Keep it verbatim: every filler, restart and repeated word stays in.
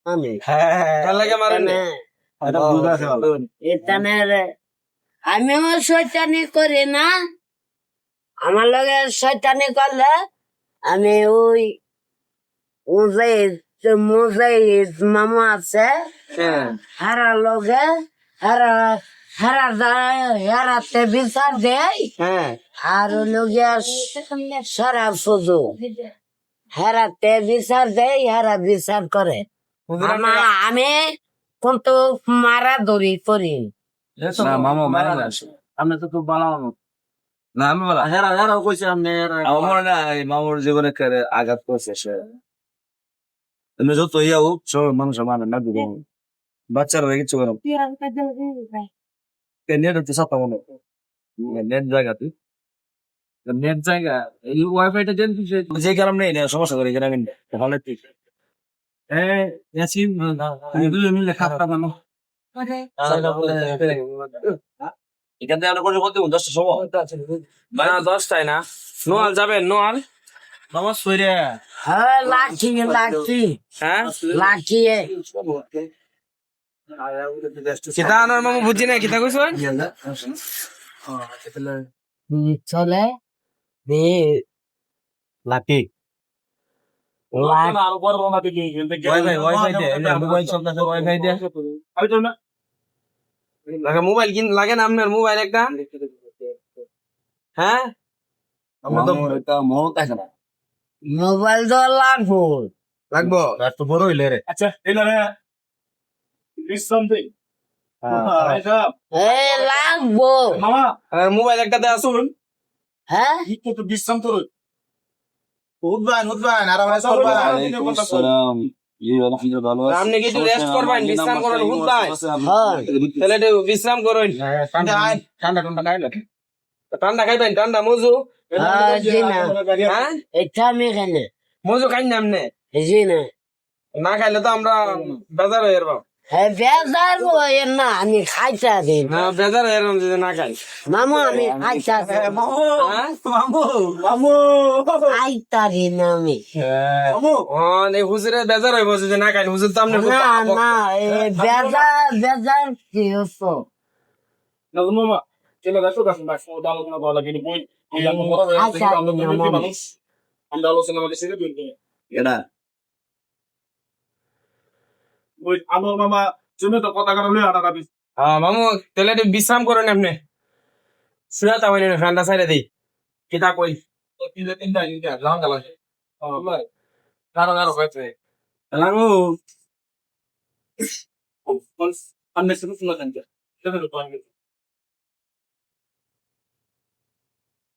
আমি তার লাগে মারেন না। এটা বুঝা আছে ভালো। এখানে আমিও শয়তানি করি না, আমার লগে শয়তানি করলে আমি ওই মুজাহিদ মুজাহিদ মামু আছে হ্যাঁ হারা লগে হারা হারা যায় হারাতে বিচার দেয় হ্যাঁ আর লগিয়া সারা ফুজু হারাতে বিচার দেয় হারা বিচার করে আমা- আমি কিন্তু মারা দড়ি করি না মামা মানে না আপনি তো খুব ভালো মানুষ। না আমি বলা হেরা হেরাও কইছে আপনি হেরা- আমার মনে না এই মামুর জীবনে করে আঘাত করছে সে এমনি যত ইয়া হোক সব মানুষ মানে না দিব বাচ্চারা কিছু করে নেট হচ্ছে সাতটা মনে নেট জায়গা তুই নেট জায়গা এই ওয়াইফাইটা দেন দিছে যে কারণ নেই না সমস্যা করে এখানে আমি ভালো ঠিক এ ইয়াসিন তুমি দুজন মিলে খাতা বানো এখান থেকে আমরা করে বলতে দশটা সময় না দশটায় না নোয়াল যাবেন নোয়াল বাবা সইরে হ্যাঁ লাঠি লাঠি হ্যাঁ লাঠি কিতা আনার মামু বুঝি না কিতা কইছেন চলে লাঠি আরো বড় বাবা দিকে ওয়াইফাই ওয়াইফাই দে মোবাইল চলতেছে ওয়াইফাই দে আমি তো না লাগে মোবাইল কিন লাগে না আপনার মোবাইল একটা হ্যাঁ আমরা তো এটা মত আছে না মোবাইল তো লাগবো লাগবো এত বড় হইলে রে আচ্ছা এলারে ইজ সামথিং এটা এ লাগবো মামা আর মোবাইল একটা দেয়া শুন হ্যাঁ হিকো তো বিশ্রাম তো উঠবান উঠবান আর আমরা সব আসসালাম জি আলহামদুলিল্লাহ ভালো আছি আপনি কি একটু রেস্ট করবেন বিশ্রাম করেন হুদায় হ্যাঁ তাহলে একটু বিশ্রাম করুন ঠান্ডা ঠান্ডা ঠান্ডা খাইলে ঠান্ডা খাইবেন ঠান্ডা মজু হ্যাঁ জি না হ্যাঁ এটা আমি এখানে মজু খাই না আপনি জি না না খাইলে তো আমরা বেজার হয়ে যাবো হ্যাঁ বেজার হয় না আমি খাইতে দিন না বেজার হয়ে যাবো যদি না খাই মামু আমি খাইতে হ্যাঁ? মামু মামু খাইতারি না আমি মামু ও এই হুজুরে বেজার হইব যদি না খাই হুজুর তো আপনি না না এ বেজার বেজার কি হতো না মামা চলো দেখো দেখো দেখো দালো না বলা কিন্তু বই এই আমরা বড় হয়ে গেছে আমরা দুজন মানুষ আমরা আলোচনা করে সেটা দুই এটা ওই আমার মামা তুমি তো কথা কারণে আটা কাটি হ্যাঁ মামু তাহলে একটু বিশ্রাম করেন আপনি শুয়ে তা হইলেন ঠান্ডা সাইডে দিই কিতা কই তো তিনটা তিনটা তিনটা লাং গেল ও ভাই কারো কারো হয়েছে লাগো আননেসেসারি শুনছেন সেটা তো